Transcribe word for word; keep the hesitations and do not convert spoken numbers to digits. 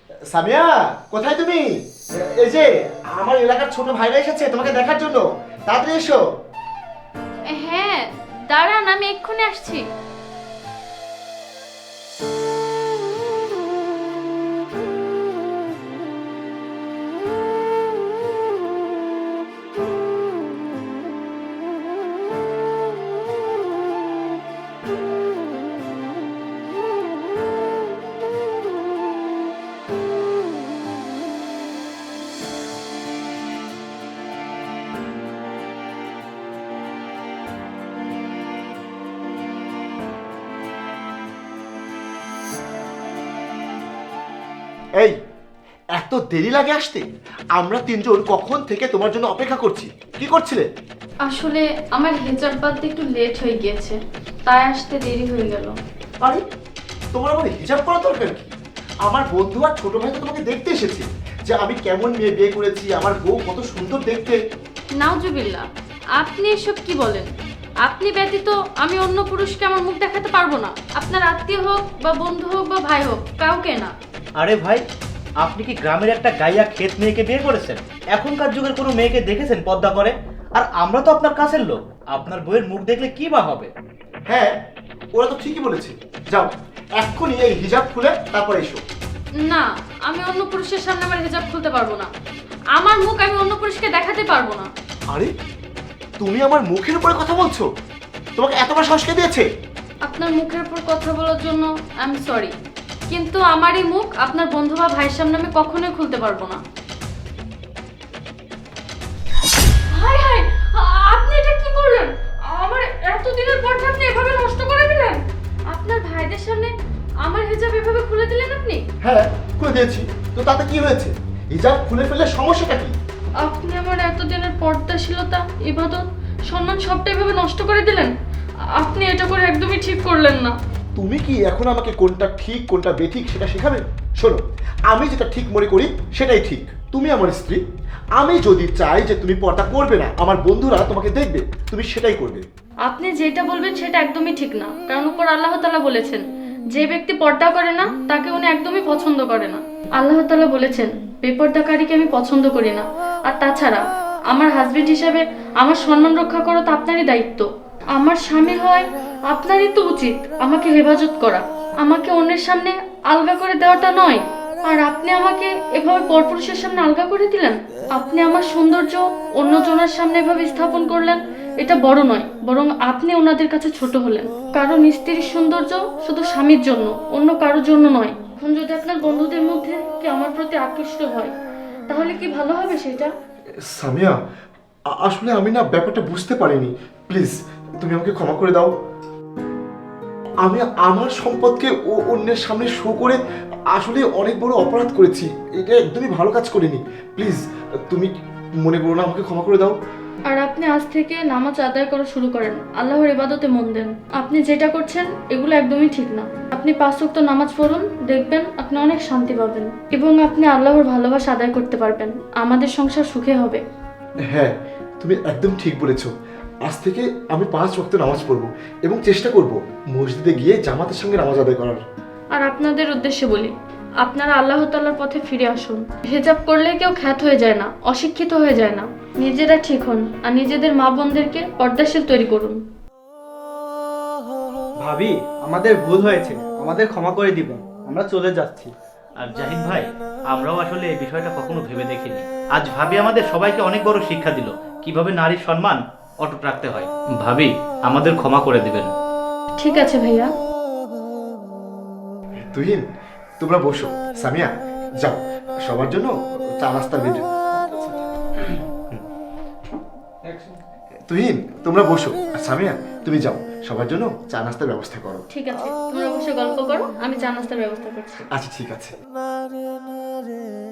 সামিয়া, কোথায় তুমি? এই যে আমার এলাকার ছোট ভাইরা এসেছে তোমাকে দেখার জন্য, তাড়াতাড়ি এসো। হ্যাঁ দাঁড়ান, আমি এক্ষুনি আসছি। এই, এত দেরি লাগে আসতে? আমরা তিনজন কখন থেকে তোমার জন্য অপেক্ষা করছি। কি করছিলে? আসলে আমার হেজাব বাঁধতে একটু লেট হয়ে গিয়েছে, তাই আসতে দেরি হয়ে গেল। আরে, তোমার আমার হিজাব করা দরকার কি? আমার বন্ধু আর ছোট ভাই তো তোমাকে দেখতে এসেছে, যে আমি কেমন মেয়ে বিয়ে করেছি, আমার বউ কত সুন্দর দেখতে। নাউজুবিল্লাহ, আপনি এসব কি বলেন? আপনি ব্যতীত আমি অন্য পুরুষকে আমার মুখ দেখাতে পারবো না। আপনার আত্মীয় হোক বা বন্ধু হোক বা ভাই হোক, কাউকে না। আরে ভাই, আপনি কি গ্রামের একটা গাইয়া ক্ষেত মেয়েকে বিয়ে করেছেন? এখনকার যুগের কোনো মেয়েকে দেখেছেন পর্দা করে? আর আমরা তো আপনার কাছের লোক, আপনার বইয়ের মুখ দেখলে কি বা হবে? হ্যাঁ, ওরা তো ঠিকই বলেছে। যাও, এক্ষুনি এই হিজাব খুলে তারপর এসো। না, আমি অন্য পুরুষের সামনে আমার হেজাব খুলতে পারবো না। আমার মুখ আমি অন্য পুরুষকে দেখাতে পারবো না। আরে, তুমি আমার মুখের উপরে কথা বলছো? তোমাকে এতবার সাহস কে দিয়েছে? আপনার মুখের উপর কথা বলার জন্য আই এম সরি, কিন্তু আমার এই মুখ আপনার বন্ধু বা ভাইয়ের সামনে আমি কখনোই খুলতে পারবো না। হাই হাই, আপনি এটা কি করলেন? আমার এতদিনের পরটা আপনি এভাবে নষ্ট করে দিলেন। আপনার ভাইদের সামনে আমার হিজাব এভাবে খুলে দিলেন আপনি। হ্যাঁ, খুলে দিয়েছি তো, তাতে কি হয়েছে? হিজাব খুলে ফেললে সমস্যাটা কি? আপনি আমার এতদিনের পর্দাশীলতা, ইবাদত, সম্মান সবটা এভাবে নষ্ট করে দিলেন। আপনি এটা করে একদমই ঠিক করলেন না। তুমি কি এখন আমাকে কোনটা ঠিক কোনটা বেঠিক সেটা শেখাবে? শোনো, আমি যেটা ঠিক মনে করি সেটাই ঠিক। তুমি আমার স্ত্রী, আমি যদি চাই যে তুমি পর্দা করবে না, আমার বন্ধুরা তোমাকে দেখবে, তুমি সেটাই করবে। আপনি যেটা বলবেন সেটা একদমই ঠিক না, কারণ উপর আল্লাহ তাআলা বলেছেন যে ব্যক্তি পর্দা করে না তাকে উনি একদমই পছন্দ করে না। আল্লাহ তাআলা বলেছেন বেপর্দাকারীকে আমি পছন্দ করি না। আর তাছাড়া আমার হাজবেন্ড হিসেবে আমার সম্মান রক্ষা করা তো আপনারই দায়িত্ব। আমার স্বামী হয় আপনারই তো উচিত আমাকে হেফাজত করা, আমাকে অন্যের সামনে আলগা করে দেওয়াটা নয়। আর আপনি আমাকে এভাবে পরপুরুষের সামনে আলগা করে দিলেন। আপনি আমার সৌন্দর্য অন্যজনের সামনে এভাবে স্থাপন করলেন। এটা বড় নয়, বরং আপনি ওনাদের কাছে ছোট হলেন। কারণ স্ত্রীর সৌন্দর্য শুধু স্বামীর জন্য, অন্য কারোর জন্য নয়। এখন যদি আপনার বন্ধুদের মধ্যে কি আমার প্রতি আকৃষ্ট হয়, তাহলে কি ভালো হবে সেটা? সামিয়া, আ- আসলে আমি না ব্যাপারটা বুঝতে পারিনি। প্লিজ, তুমি আমাকে ক্ষমা করে দাও। আমি আমার সম্পদকে ও- অন্যের সামনে শো করে আসলে অনেক বড় অপরাধ করেছি। এটা একদমই ভালো কাজ করিনি। প্লিজ, তুমি মনে করো না, আমাকে ক্ষমা করে দাও। আর আপনি আজ থেকে নামাজ আদায় করা শুরু করেন, আল্লাহর ইবাদতে মন দেন। আপনি যেটা করছেন এগুলো একদমই ঠিক না। আপনি পাঁচ ওয়াক্ত নামাজ পড়ুন, দেখবেন আপনি অনেক শান্তি পাবেন এবং আপনি আল্লাহর ভালোবাসা আদায় করতে পারবেন। আমাদের সংসার সুখে হবে। হ্যাঁ, তুমি একদম ঠিক বলেছো। আজ থেকে আমি পাঁচ ওয়াক্ত নামাজ পড়বো এবং চেষ্টা করব মসজিদে গিয়ে জামাতের সঙ্গে নামাজ আদায় করার। আর আপনাদের উদ্দেশ্যে বলি, আপনারা আল্লাহ তাআলার পথে ফিরে আসুন। হিজাব করলে কেউ খ্যাত হয়ে যায় না, অশিক্ষিত হয়ে যায় না। নিজেরা ঠিক হন আর নিজেদের মা বোনদেরকে পর্দাশীল তৈরি করুন। ভাবি, আমাদের ভুল হয়েছে, আমাদের ক্ষমা করে দিবেন, আমরা চলে যাচ্ছি। আর জাহিদ ভাই, আমরাও আসলে এই বিষয়টা কখনো ভেবে দেখিনি। আজ ভাবি আমাদের সবাইকে অনেক বড় শিক্ষা দিল কিভাবে নারীর সম্মান অটুট রাখতে হয়। ভাবি, আমাদের ক্ষমা করে দিবেন। ঠিক আছে ভাইয়া। তুহিন, তোমরা বসো। সামিয়া, যাও, সবার জন্য চা নাস্তা বের। তুহিন, তোমরা বসো। আর সামিয়া, তুমি যাও, সবার জন্য চা নাস্তার ব্যবস্থা করো। ঠিক আছে, তোমরা বসে গল্প করো, আমি চা নাস্তার ব্যবস্থা করছি। আচ্ছা, ঠিক আছে।